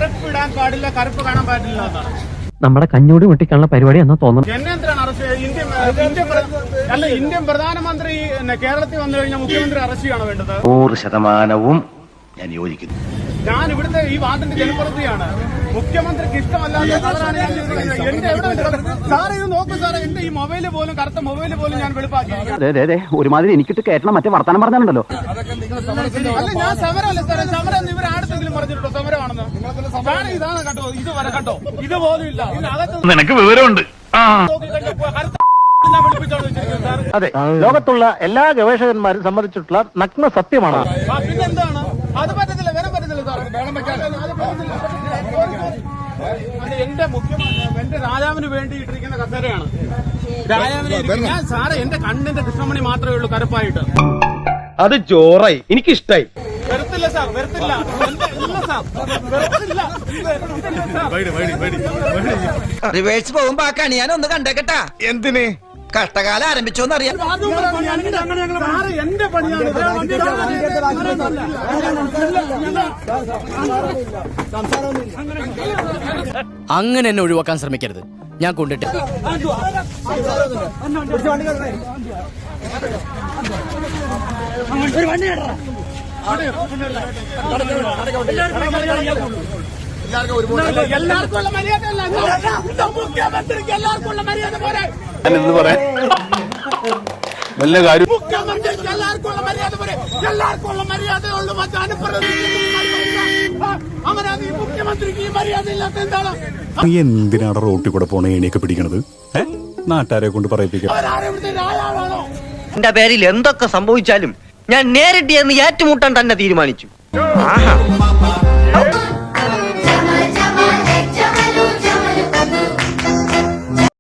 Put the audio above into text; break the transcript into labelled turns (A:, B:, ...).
A: കറുപ്പിടാൻ പാടില്ല, കറുപ്പ് കാണാൻ പാടില്ല എന്നാണ്
B: നമ്മുടെ കഞ്ഞൂടി വെട്ടിക്കാനുള്ള പരിപാടി എന്നാ തോന്നുന്നു.
A: എന്നെ എന്തിനാണ് അറസ്റ്റ്? ഇന്ത്യൻ പ്രധാനമന്ത്രി കേരളത്തിൽ വന്നു കഴിഞ്ഞാൽ മുഖ്യമന്ത്രി അറസ്റ്റ് ചെയ്യണോ വേണ്ടത്?
C: 100% ഞാൻ യോജിക്കുന്നു.
A: ഞാൻ ഇവിടുത്തെ ഈ വാർഡിന്റെ ജനപ്രതിനിധിയാണ്. മുഖ്യമന്ത്രിക്ക് ഇഷ്ടമല്ലാത്ത കളറാണ് ഞാൻ ചെയ്തിരിക്കുന്നത്. എന്റെ എവിടെ സാറേ ഇത് നോക്കൂ സാറേ, എന്റെ ഈ മൊബൈല് പോലും, കറുത്ത മൊബൈല് പോലും ഞാൻ വെളുപ്പാക്കി.
B: ഒരുമാതിരി എനിക്കിട്ട് കയറ്റണം, മറ്റേ വർത്താനം പറഞ്ഞാലുണ്ടല്ലോ.
A: അല്ല ഞാൻ സമരമല്ല സാറേ, സമരം ഇവർ ആടുത്തെങ്കിലും പറഞ്ഞിട്ടുണ്ടോ സമരമാണെന്ന്? സാറേ ഇതാണ് കേട്ടോ, ഇത് വരെ കേട്ടോ, ഇതുപോലും ഇല്ല.
C: നിനക്ക് വിവരമുണ്ട്.
D: അതെ, ലോകത്തുള്ള എല്ലാ ഗവേഷകന്മാരും സമ്മതിച്ചിട്ടുള്ള നഗ്ന സത്യമാണ്.
A: പിന്നെന്താണ്? അത് പറ്റത്തില്ല, വരാൻ പറ്റത്തില്ല സാറേ. അത് എന്റെ മുഖ്യമന്ത്രി, എന്റെ രാജാവിന് വേണ്ടി ഇട്ടിരിക്കുന്ന കസേരയാണ്. രാജാവിനെ ഞാൻ സാറേ, എന്റെ കണ്ണിന്റെ കൃഷ്ണമണി മാത്രമേ ഉള്ളൂ കറുപ്പായിട്ട്.
D: അത് ചോറായി, എനിക്കിഷ്ടായി.
A: വരത്തില്ല സാർ, വരത്തില്ല,
E: റിവേഴ്സ് പോകുമ്പോ ആ കണി ഞാൻ ഒന്ന് കണ്ടേക്കട്ടാ.
D: എന്തിന്?
E: കഷ്ടകാലം ആരംഭിച്ചോന്നറിയാം.
A: എന്റെ പണിയാണ്.
F: അങ്ങനെ എന്നെ ഒഴിവാക്കാൻ ശ്രമിക്കരുത്, ഞാൻ കൊണ്ടിട്ട്.
A: എല്ലാവർക്കും ഉള്ള മര്യാദ അല്ല, മുഖ്യമന്ത്രിക്ക് എല്ലാവർക്കും ഉള്ള മര്യാദ പോരാ.
D: ഞാനിന്ന് പറയാം വല്ല കാര്യം.
A: മുഖ്യമന്ത്രിക്ക് എല്ലാവർക്കും ഉള്ള മര്യാദ പോരെ, എല്ലാവർക്കും ഉള്ള മര്യാദയുള്ളൂ. അങ്ങനെ ഈ മുഖ്യമന്ത്രിക്ക് ഈ മര്യാദ ഇല്ലാത്ത എന്താണ്?
G: എന്തിനാണ് റോട്ടിൽ കൂടെ പോണ ഏണിയൊക്കെ പിടിക്കണത്? നാട്ടുകാരെ കൊണ്ട് പറയിപ്പിക്കാം.
A: രാജാവാണോ?
B: എന്റെ പേരിൽ എന്തൊക്കെ സംഭവിച്ചാലും ഞാൻ നേരിട്ട് എന്ന് ഏറ്റുമുട്ടാൻ തന്നെ തീരുമാനിച്ചു.